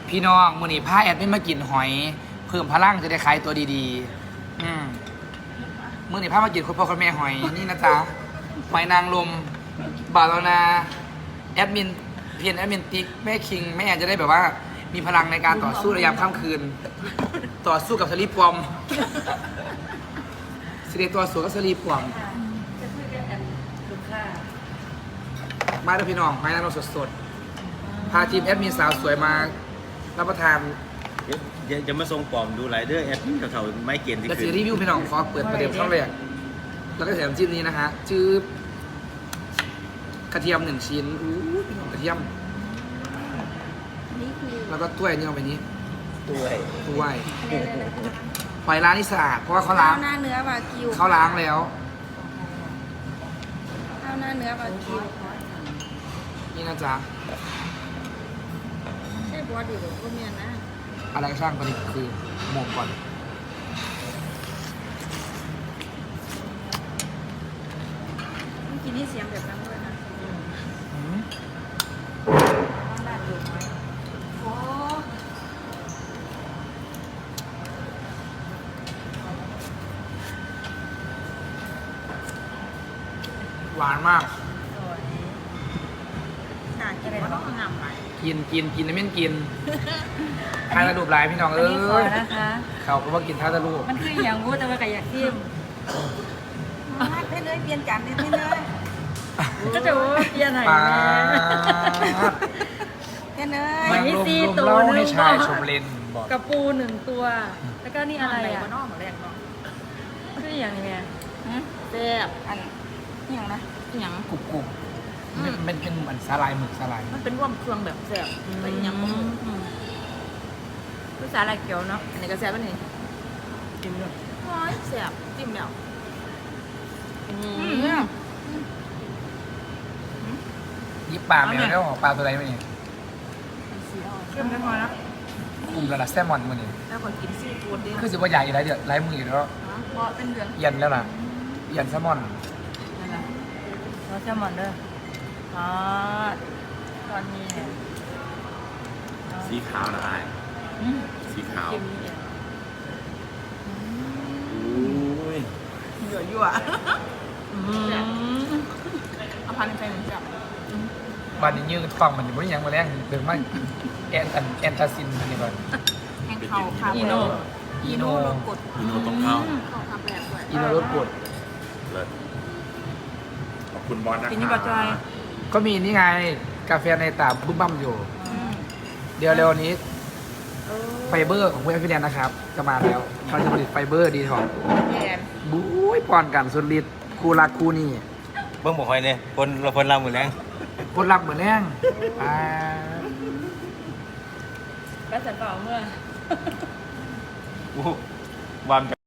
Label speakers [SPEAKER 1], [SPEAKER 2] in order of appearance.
[SPEAKER 1] พี่น้องมื้อนี้พาแอดมินมากินหอยเพิ่มพลังจะได้ขายตัวดีๆมื้อนี้พามากินคุณพ่อคุณแม่หอยนี่นะจ๊ะหอยนางรมบาลนาแอดมินเพียนแอดมินติ๊กแม่คิงแม่จะได้แบบว่ามีพลังในการต่อสู้ในยามค่ำคืน ต่อสู้กับสลีปวอมสิเดตัวสู้กับสลีปวอมมาด้วยพี่น้องหอยนางรมสดๆพาทีมแอดมินสาวสวยมารับประทาน
[SPEAKER 2] จะมาทรงปลอมดูไรเดอร์แอดเถ่าๆไม่เกณฑ์ที่
[SPEAKER 1] และ
[SPEAKER 2] คื
[SPEAKER 1] ซีรีส์วิวพี่น้องขอเปิดประเดิมช่องแรกแล้วก็แถมจิ้มนี้นะฮะชื่อกระเทียม1 ชิ้นอู้พี่น้องกระเทียมแล้วก็ถ้วยนี่เอาไปนี้
[SPEAKER 2] ด้วย
[SPEAKER 1] ถ้วยหอยร้านนี่สะอาดเพราะว่าเขาล้าง
[SPEAKER 3] ข้าวหน้าเนื้อวากิว
[SPEAKER 1] เขาล้างแล้ว
[SPEAKER 3] ข้าวหน้าเนื้อวากิว
[SPEAKER 1] นี่นะจ๊ะ
[SPEAKER 3] ใช่บอสดีหรือพวกเมียนะ
[SPEAKER 1] อะไรก็ช่างตอนนี้คือหมกก่อน
[SPEAKER 3] เมื่อกี้นี่เสียงแบบนั้นด้วยนะบ้านดูไหมโอ้
[SPEAKER 1] หวานมาก
[SPEAKER 3] สวยน่ากินว่าต้องงามไป
[SPEAKER 1] กินไม่กินทานกระดูกลายพี่น้องเอ้
[SPEAKER 4] นี่ขอย นะคะ
[SPEAKER 1] เขาก็ว่ากินท่าตะลูก
[SPEAKER 4] มันคืออย่างงูแต่ว่ากับอยากทิม
[SPEAKER 3] ให้เลยเปลี่ยนจานนิดนึงเลย
[SPEAKER 4] ก็จะว่าเปลี่ยนไหน
[SPEAKER 1] ปา
[SPEAKER 4] แม่
[SPEAKER 1] ด
[SPEAKER 3] แค่เลย
[SPEAKER 1] มัน
[SPEAKER 4] มี
[SPEAKER 1] รวม
[SPEAKER 4] สี่
[SPEAKER 1] รวม
[SPEAKER 4] ตัว
[SPEAKER 1] เล่า
[SPEAKER 4] หนึ่
[SPEAKER 1] ให้
[SPEAKER 4] ง
[SPEAKER 1] ชายชมเลนบอก
[SPEAKER 4] กระปู1 ตัว แล้วก็นี่อะไรอ่ะ
[SPEAKER 3] นอกมาแรกเนาะ
[SPEAKER 4] คืออย่างนี้ไง
[SPEAKER 3] แซ่บอันนี่อย่างนะอย่าง
[SPEAKER 1] กรุบเป็นเหมือนสาลายหมึกสาลาย
[SPEAKER 3] มันเป็นร่วมเครื่องแบบแซ่บแต่ยังภาษาอะไรเกี่ยวเนาะอันนี้ก็แซ่บอันนี้
[SPEAKER 1] กินเลย
[SPEAKER 3] โอ้ยแซ่บจิ้มแล้ว
[SPEAKER 1] ยิบปลาไม่เอาแล้วปลาตัวใดมาเนี่ย
[SPEAKER 3] เชื่อมได้พอแล้ว
[SPEAKER 1] กลุ่มระดับแซลมอนมาเนี่ย
[SPEAKER 3] แล้วคนกินซีฟู้ดดิ
[SPEAKER 1] คือสิว่าใหญ่อยู่แล้วเดี๋ยวไร้มืออยู่แล้ว
[SPEAKER 3] เพราะเป็นเดือน
[SPEAKER 1] เย็นแล้วล่ะเย็นแซลมอน
[SPEAKER 4] นั่นแหละเราแซลมอนเด้ออ๋อตอนนี้เนี่ย
[SPEAKER 2] สีขาวนะไอ้สีขาว
[SPEAKER 4] กินเนี่ย
[SPEAKER 2] อุ้ย
[SPEAKER 3] ยั่วเอาพันไปเหมือนกับ
[SPEAKER 1] บ้านนี้ยืนฟังมันอยู่บนยังมาแรงเดินมาแอนตาซินมันนี่ก่อน
[SPEAKER 3] แห้งเขาค่ะ
[SPEAKER 1] อีโน
[SPEAKER 3] รสกด
[SPEAKER 2] พี่โนต้องเข้า
[SPEAKER 3] เขาทำแบบด้วย
[SPEAKER 1] อีโนรสกด
[SPEAKER 2] เลิศขอบคุณบอสนะ
[SPEAKER 4] กินนี่บะจอย
[SPEAKER 1] ก็มีนี่ไงกาแฟในตาบึ้มบั้มอยู่ เดี๋ยวเร็วนี้ไฟเบอร์ของเพื่อนพี่แดนนะครับจะมาแล้วเขาจะผลิตไฟเบอร์ดีท็อก
[SPEAKER 3] แกน
[SPEAKER 1] บุ้ยปอนกันสุดฤทธิ์คู่รักคู่นี่
[SPEAKER 2] เบิ้งบอกไว้เนี่ยคนเรามือแรง
[SPEAKER 1] คนรักเหมือนแรงอ่า
[SPEAKER 4] ก็จะเปล่าเมื่อ
[SPEAKER 2] อู้วาม